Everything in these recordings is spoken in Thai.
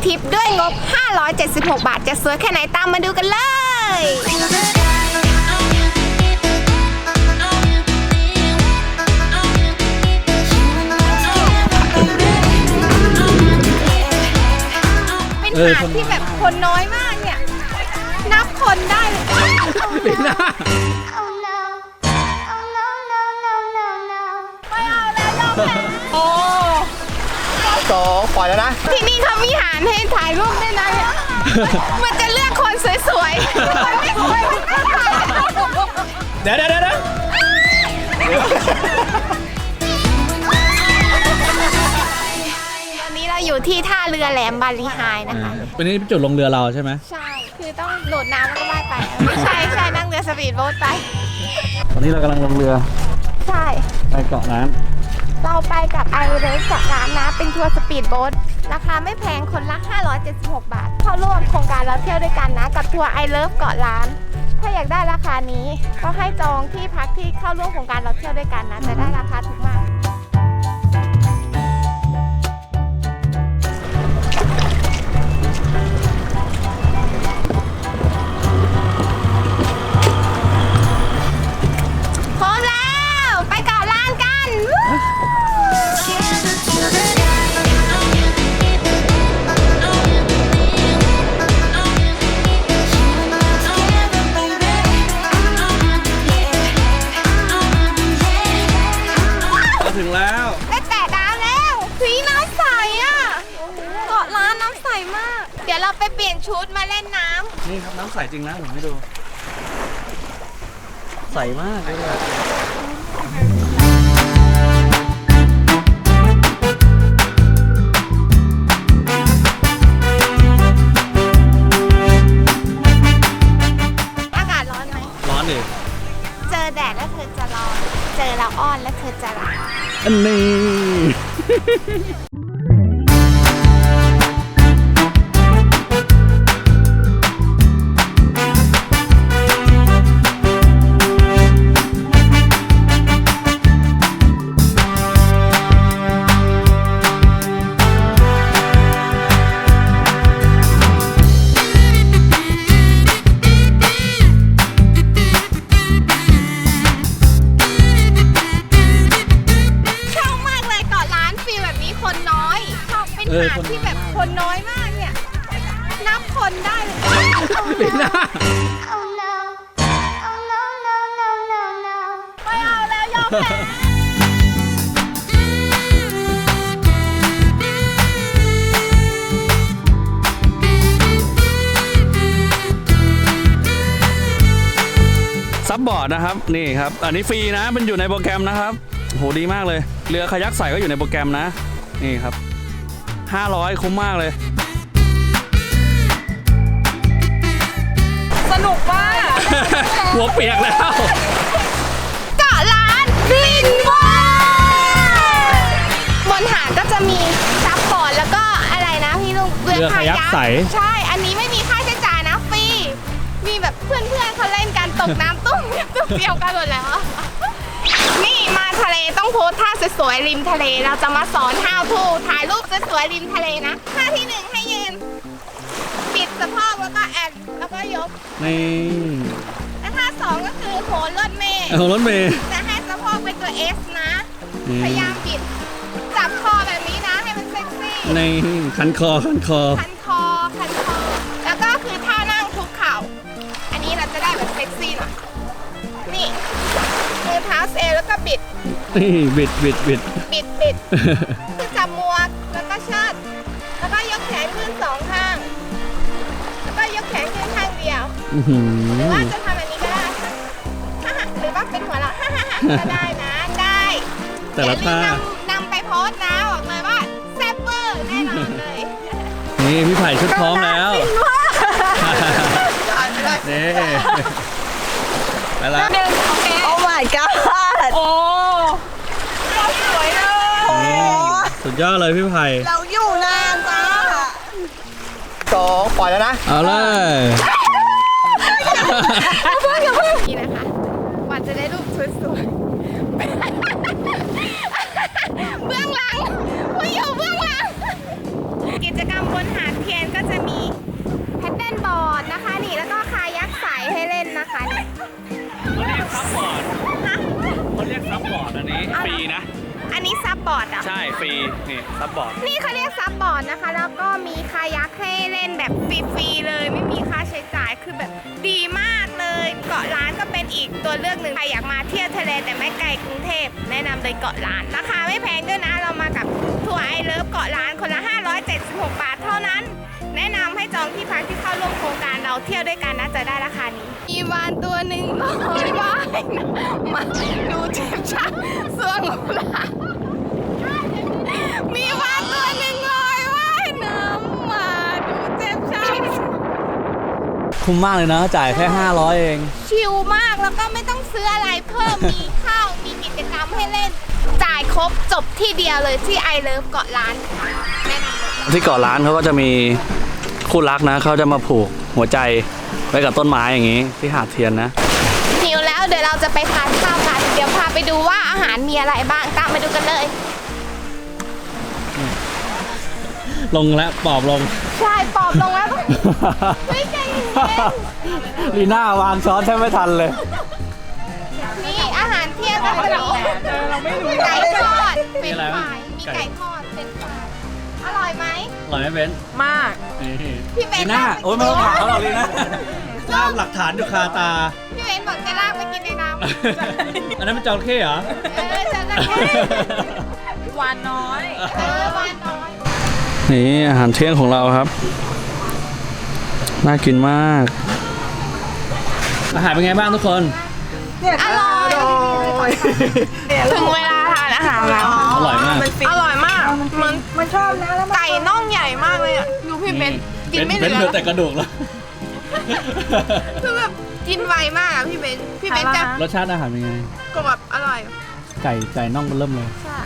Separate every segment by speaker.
Speaker 1: ทริปด้วยงบ 576 บาทจะสวยแค่ไหนตามมาดูกันเลยเป็นหาดที่แบบคนน้อยมากเนี่ยนับคนได้เลย
Speaker 2: เป็นหน้า
Speaker 1: ไม่เอาแล้วยอมแพ้โอ้
Speaker 3: 2ปล่อยแล้วนะ
Speaker 1: ที่นี่เขามีหาดให้ถ่ายรูปด้วยนะเนี่ยมันจะเลือกคนสวยๆคนไม่สวยมันไม่ถ่าย
Speaker 3: เดี๋ยว
Speaker 1: ตอนนี้เราอยู่ที่ท่าเรือแหลมบาลีไฮนะคะ
Speaker 2: เป็นนี่จุดลงเรือเราใช่ไหม
Speaker 1: ใช่คือต้องโดดน้ำแล้วก็ว่ายไปไม่ใช่นั่งเรือสปีดโบ๊ทไป
Speaker 2: ตอนนี้เรากำลังลงเรือ
Speaker 1: ใช่
Speaker 2: ไปเกาะล้าน
Speaker 1: เราไปกับไอเรสเกาะล้านนะเป็นทัวร์สปีดโบ๊ทราคาไม่แพงคนละ576 บาทเข้าร่วมโครงการเราเที่ยวด้วยกันนะกับทัวร์ไอเลิฟเกาะล้านถ้าอยากได้ราคานี้ก็ให้จองที่พักที่เข้าร่วมโครงการเราเที่ยวด้วยกันนะจะได้ราคาถูกมากพร้อมแล้วไปเกาะล้านกัน
Speaker 2: ถึงแล้ว
Speaker 1: ได้แตะน้ำแล้วสีน้ำใสอ่ะเกาะล้านน้ำใสมากเดี๋ยวเราไปเปลี่ยนชุดมาเล่นน้ำ
Speaker 2: นี่ครับน้ำใสจริงนะผมให้ดูใสมากเลย
Speaker 1: อากาศร้อนไหม
Speaker 2: ร้อนดิ
Speaker 1: เจอแดดแล้วเธอจะร้อนเจอเราอ้อนแล้วเธอจะรัก
Speaker 2: อันนี้
Speaker 1: หาดที่แบบคนน้อยมากเนี่ยนับคนได้เลย
Speaker 2: เป็นหน้า
Speaker 1: ไม่เอาแล้วยอมแพ้
Speaker 2: ซับบอร์ดนะครับนี่ครับอันนี้ฟรีนะมันอยู่ในโปรแกรมนะครับโหดีมากเลยเรือคายักใส่ก็อยู่ในโปรแกรมนะนี่ครับ500คุ้มมากเลย
Speaker 1: สนุกมาก
Speaker 2: หัวเปียกแล้ว
Speaker 1: เกาะล้านบินว่ายบนหาดก็จะมีซับบอร์ดแล้วก็อะไรนะพี่ลุง
Speaker 2: เรือคายักใส
Speaker 1: ใช่อันนี้ไม่มีค่าใช้จ่ายนะฟรีมีแบบเพื่อนเขาเล่นกันตกน้ำตุ้มเดียวกันหมดแล้วนี่มาทะเลต้องโพสท่าสวยๆริมทะเลเราจะมาสอน how to ถ่ายรูปสวยๆริมทะเลนะท่าที่1ให้ยืนปิดสะโพกแล้วก็แอนแล้วก็ยก
Speaker 2: นี่
Speaker 1: และท่า2ก็คือโหนรถเมล์จะให้สะโพกเป็นตัว S นะพยายามปิดจับคอแบบนี้นะให้มันเซ็กซี่
Speaker 2: นี่คันคอ
Speaker 1: แล้วก็คือท่านั่งคุกเข่าอันนี้เราจะได้แบบเซ็กซี่หน่อยนี่มือเท้าเซแล้วก็บิด
Speaker 2: นี่บิด
Speaker 1: คือจับหมวกแล้วก็เชิดแล้วก็ยกแขนขึ้น2ข้างแล้วก็ยกแขนขึ้นข้างเดียวหรือว่าจะทำอันนี้ก็ได้หรือว่าเป็นหัวเราะก็ได้นะได้
Speaker 2: แต่ละท่
Speaker 1: านำไปโพสนะบอกเลยว่าแซ่บเวอร์แน่นอนเลย
Speaker 2: นี่พี่ไผ่ชุดพร้อมแล้วนี่ไปละ
Speaker 1: โอเคโอ้ my god โอ้เราสวยเลย
Speaker 2: สุดยอดเลยพี่ไผ่
Speaker 1: เราอยู่นานจ้า
Speaker 3: 2ปล่อยแล้วนะ
Speaker 2: เอาเลย
Speaker 1: อย่าเพิ่งนี่นะคะวันจะได้รูปสวยๆเบื้องหลังผู้อยู่เบื้องหลังกิจกรรมบนหาดเทียนบอร์ดนะคะนี่แล้วก็คายักใสให้เล่นนะคะนี่
Speaker 2: เขาเรียกซับบอร์ด
Speaker 1: ฮะ
Speaker 2: เขาเรียกซับบอร์ดอันนี้ฟรีนะ
Speaker 1: อันนี้ซับบอร์ดอ่ะ
Speaker 2: ใช่ฟรีนี่ซับบอร์ด
Speaker 1: นี่เขาเรียกซับบอร์ดนะคะ แล้วก็มีคายักให้เล่นแบบฟรีๆเลยไม่มีค่าใช้จ่ายคือแบบดีมากเลยเกาะล้านก็เป็นอีกตัวเลือกหนึ่งใครอยากมาเที่ยวทะเลแต่ไม่ไกลกรุงเทพแนะนำเลยเกาะล้านราคาไม่แพงด้วยนะเรามากับทัวร์ไอเลิฟเกาะล้านคนละ576 บาทเท่านั้น แนะนำให้จองที่พักที่เข้าร่วมโครงการเราเที่ยวด้วยกันนะจะได้ราคานี้มีวานตัวหนึ่งลอยว่ายนะมาดูเจ็บชักสวงหูหลามีวานตัวหนึ่งลอยว่ายน้ำมาดูเจ็บชัก
Speaker 3: คุ้มมากเลยนะจ่ายแค่500เอง
Speaker 1: ชิลมากแล้วก็ไม่ต้องซื้ออะไรเพิ่มมีข้าวมีกิจกรรมให้เล่น จ่ายครบจบที่เดียวเลยที่ไอเลิฟเกาะล้านแนะนำเลย
Speaker 2: ที่เกาะล้านเขาก็จะมีคู่รักนะเขาจะมาผูกหัวใจไว้กับต้นไม้อย่างนี้ที่หาดเทียนนะ
Speaker 1: หิวแล้วเดี๋ยวเราจะไปทานข้าวกันเดี๋ยวพาไปดูว่าอาหารมีอะไรบ้างตามไปดูกันเลย
Speaker 2: ลงแล้วปอบลง
Speaker 1: ใช่ปอบลงแล้วไม่ใจเย็น
Speaker 3: ลีน่าวางช้อนแทบไม่ทันเลย
Speaker 1: นี่อาหารเที่ยงก็จะมีไก่ทอดเป็นฝ่ายมีไก่ทอดเป็นฝ่ายอร่อยไหม
Speaker 2: อร่อยไหมเบนซ์
Speaker 1: มาก
Speaker 2: นี่
Speaker 1: พี่เบน
Speaker 3: ลีน่าโอ้ยไม่ต้องถามเขาหรอกลีน่าสร้างหลักฐานอยู่คาตา
Speaker 1: พี่เบนบอกจะลากไปกินในน้ำ
Speaker 3: อันนั้นเป็นจระเข้เหรอ
Speaker 1: จะลากหวานน้อยหวานน้อย
Speaker 2: นี่อาหารเที่ยงของเราครับน่ากินมาก อาหารเป็นไงบ้างทุกคน
Speaker 1: อร่อยถึงเวลาทานอาหารแล้ว
Speaker 2: อร่อยมาก
Speaker 1: อร่อยมากมันชอบนะแล้วไก่น่องใหญ่มากเลยอ่ะดูพี่เบนกินไม่เห
Speaker 2: เป็น
Speaker 1: ลื
Speaker 2: เหลือ
Speaker 1: อ
Speaker 2: แต่กระดูกแล้ว
Speaker 1: คือแบบกินไวมากอ่ะพี่เบนจะ
Speaker 2: รสชาติอาหารเป็นไง
Speaker 1: กรอบอร่อย
Speaker 3: ไก่น่องมันเริ่มเลย
Speaker 1: ใช่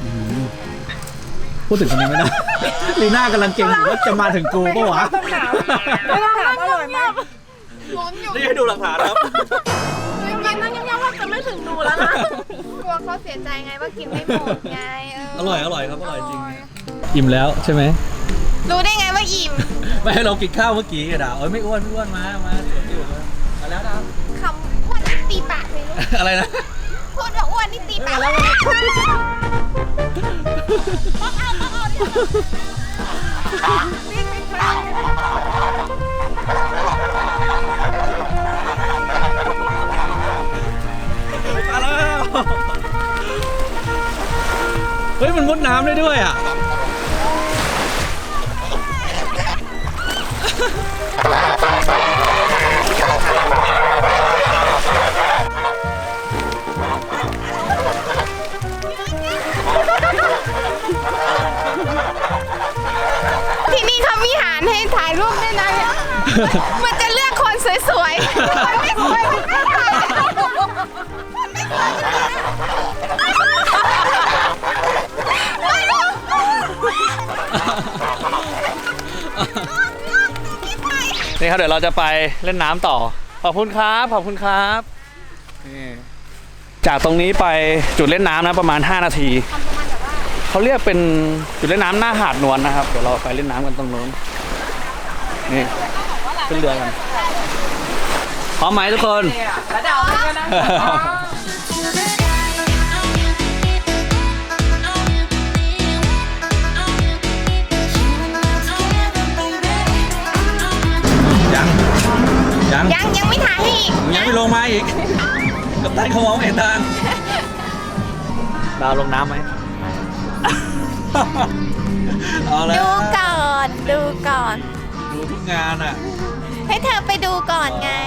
Speaker 3: พูดถึงคนนี้ไม่ได้ ลีน่ากำลังเก่งอยู่ว่าจะมาถึงกูปะวะ
Speaker 1: ไม่ต้องถามอร่อยมากลุ้นอยู่
Speaker 3: นี่ให้ดูหลักฐานครับ
Speaker 1: กินนั่งยังว่าจะไม่ถึงดูแล้วนะกลัวเขาเสียใจไงว่ากินไม่หมดไง
Speaker 3: อร่อยครับ อร่อยจริง อิ่มแล้วใช่ไหม
Speaker 1: รู้ได้ไงว่าอิ่ม
Speaker 3: ไม่ให้เรากินข้าวเมื่อกี้อะดาวเอ้ยไม่อ้วนมาสวนอยู่มาแล้วดาว
Speaker 1: คำพูดนี่ตีปากเลยลูก
Speaker 3: อะไรนะ
Speaker 1: พูดว่าอ้วนนี่ตีปากแล้ว
Speaker 3: มาแล้วเฮ้ยมันมุดน้ำได้ด้วยอ่ะ
Speaker 1: ที่นี่เขามีหารให้ถ่ายรูปด้วยนะเนี่ยมันจะเลือกคนสวยๆคนไม่สวยมันไม่ถ่ายคนไม่สวยไม่รู้
Speaker 2: นี่ครับเดี๋ยวเราจะไปเล่นน้ำต่อ ขอบคุณครับ ขอบคุณครับนี่จากตรงนี้ไปจุดเล่นน้ำนะประมาณ 5 นาที เขาเรียกเป็นจุดเล่นน้ำหน้าหาดนวลนะครับ เดี๋ยวเราไปเล่นน้ำกันตรงนู้น นี่ขึ้นเรือกัน พร้อมไหมทุกคน
Speaker 1: ยังไม่ถ่ายให้อีก
Speaker 3: ยังไม่ลงมาอีกกับตันเขามองไม่เห็นทางดาวลงน้ำไหม เอาแล้ว
Speaker 1: ดูก่อนดูก่อน
Speaker 3: ดูทุกงานอ่ะ
Speaker 1: ให้เธอไปดูก่อนไง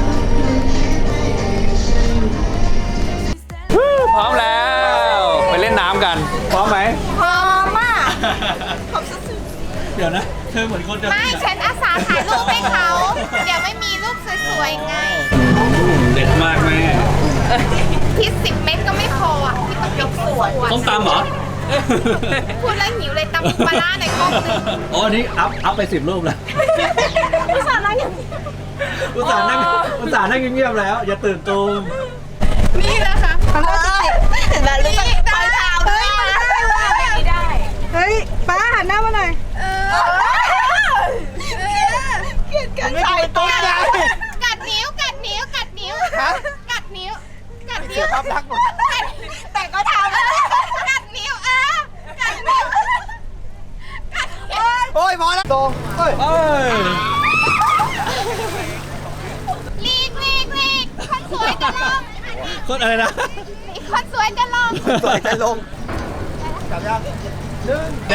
Speaker 2: พร้อมแล้ว ไปเล่นน้ำกัน
Speaker 3: พร้อมไหม
Speaker 1: พร้อมมาก
Speaker 3: เดี๋ยวนะ เธอเหมือนคนจะ
Speaker 1: ไม่ฉันอาสาถ่ายรูปให้เขา เดี๋ยวไม่มีรูปสวยๆไง
Speaker 2: เด็ดมากแม่
Speaker 1: พิษ10 เม็ดก็ไม่พออ่ะพี่ต้องสวย
Speaker 2: ต้มตำเหรอ
Speaker 1: พูดแล้วหิวเลยตำปูปลาร้าในกล้องนึง
Speaker 3: อ๋ออันนี้อัพไป10 รูปแล้ว
Speaker 1: อุตส่าห์นั่งอย่างนี้
Speaker 3: อุตส่าห์นั่งเงียบๆแล้ว อย่าตื่นตูม
Speaker 1: นี่นะคะแล้วรู้จักไปถามด้วยมาได้
Speaker 4: เฮ้ยป้าหันหน้ามาหน่อย
Speaker 1: เกลียดกัน
Speaker 3: โอ้ยพอแล้วตรงเอ้ย
Speaker 1: ลีกคนสวยจะลง
Speaker 2: คนอะไรนะ
Speaker 1: คนสวยจะลง
Speaker 3: สวยใจลงกลับยังเดี๋ยว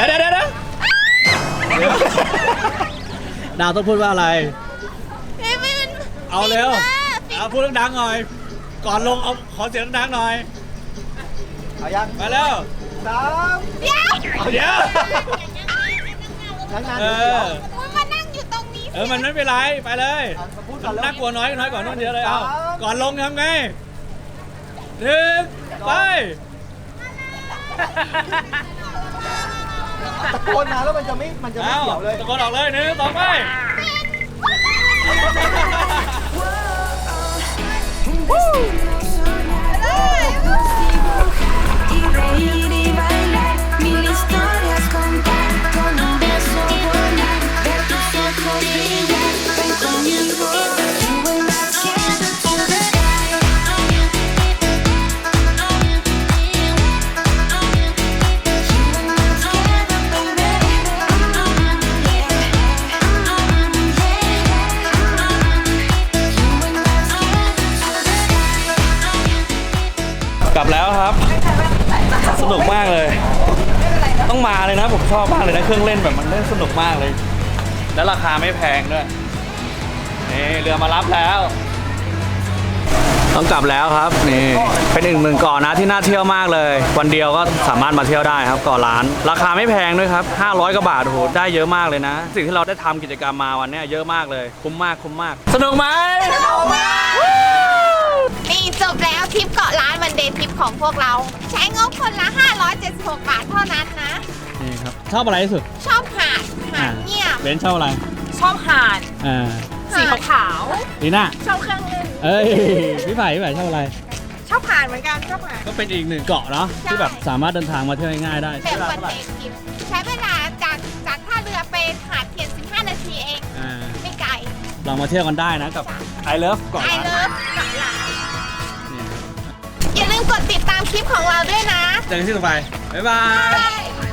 Speaker 2: ดาวต้องพูดว่าอะไร
Speaker 1: ไม่มัน
Speaker 2: เอาเร็ว
Speaker 1: ปิด
Speaker 2: เอาพูดดังๆหน่อย ก่อนลงเอาขอเสียงดังๆหน่อย
Speaker 3: เอายัง
Speaker 2: มาเร็ว
Speaker 3: 3
Speaker 1: เดี๋ยว
Speaker 2: เดี๋ยว
Speaker 3: นั่งนาน
Speaker 2: เอ
Speaker 3: เดี๋ยว
Speaker 2: อ
Speaker 1: มันมานั่งอยู่ตรงนี้
Speaker 2: มันไม่เป็นไร ไปเลย
Speaker 3: มาพูดก่อนแล้ว
Speaker 2: น่ากลัวน้อยกว่านู่นเยอะเลย เอา
Speaker 3: สาม
Speaker 2: ก่อนลงทำไงหนึ่งไป
Speaker 3: ตะโกนมาแล้วมันจะไม่เกี่ยวเลย
Speaker 2: ตะโกนออกเลยหนึ่งสองไป
Speaker 4: Y reír y bailar, mil historias contar, con un beso volar, ver tus ojos brillar, ven conmigo, you will not get to the sky. You will not get up, baby. You will not get to the sky.
Speaker 2: กลับแล้วครับ สนุกมากเลย ต้องมาเลยนะ ผมชอบมากเลยนะ เครื่องเล่นแบบมันเล่นสนุกมากเลย แล้วราคาไม่แพงด้วย นี่เรือมารับแล้ว ต้องกลับแล้วครับ นี่ เป็นอีกหนึ่งเกาะนะที่น่าเที่ยวมากเลย วันเดียวก็สามารถมาเที่ยวได้ครับเกาะล้าน ราคาไม่แพงด้วยครับ 500 กว่าบาท โอ้โห ได้เยอะมากเลยนะ สิ่งที่เราได้ทำกิจกรรมมาวันเนี้ยเยอะมากเลย คุ้มมาก คุ้มมาก สนุกไหม
Speaker 1: นี่จบแล้วทริปเกาะล้านวันเดย์ทริปของพวกเรา ใช้งบคนละ 576 บาทเท่านั้นนะ
Speaker 2: นี่ครับ ชอบอะไรที่สุด
Speaker 1: ชอบหาดเงียบ
Speaker 2: เบนชอบอะไร
Speaker 5: ชอบหาด สีขาว
Speaker 2: ลีน่า
Speaker 5: ๆชอบเครื่องเล่น
Speaker 2: เอ้ย พี่ไผ่ชอบอะไร
Speaker 5: ชอบหาดเหมือนกันชอบหาด
Speaker 2: ก็เป็นอีกหนึ่งเกาะเนาะ
Speaker 1: ใช่
Speaker 2: ที่แบบสามารถเดินทางมาเที่ยวง่ายๆได้
Speaker 1: แบบวันเดย์ทริปใช้เวลาจากท่าเรือไปหาดเทียน 15 นาทีเอง
Speaker 2: อ่า
Speaker 1: ไม่ไกล
Speaker 2: ลองมาเที่ยวกันได้นะกับ I Love เกาะ
Speaker 1: ไอ
Speaker 2: ล้าน
Speaker 1: เลิฟเกาะล้าน
Speaker 2: นี่
Speaker 1: อย่าลืมกดติดตามคลิปของเราด้วยนะ
Speaker 2: เจอกันที่ต่อไป บ๊ายบาย
Speaker 1: Bye.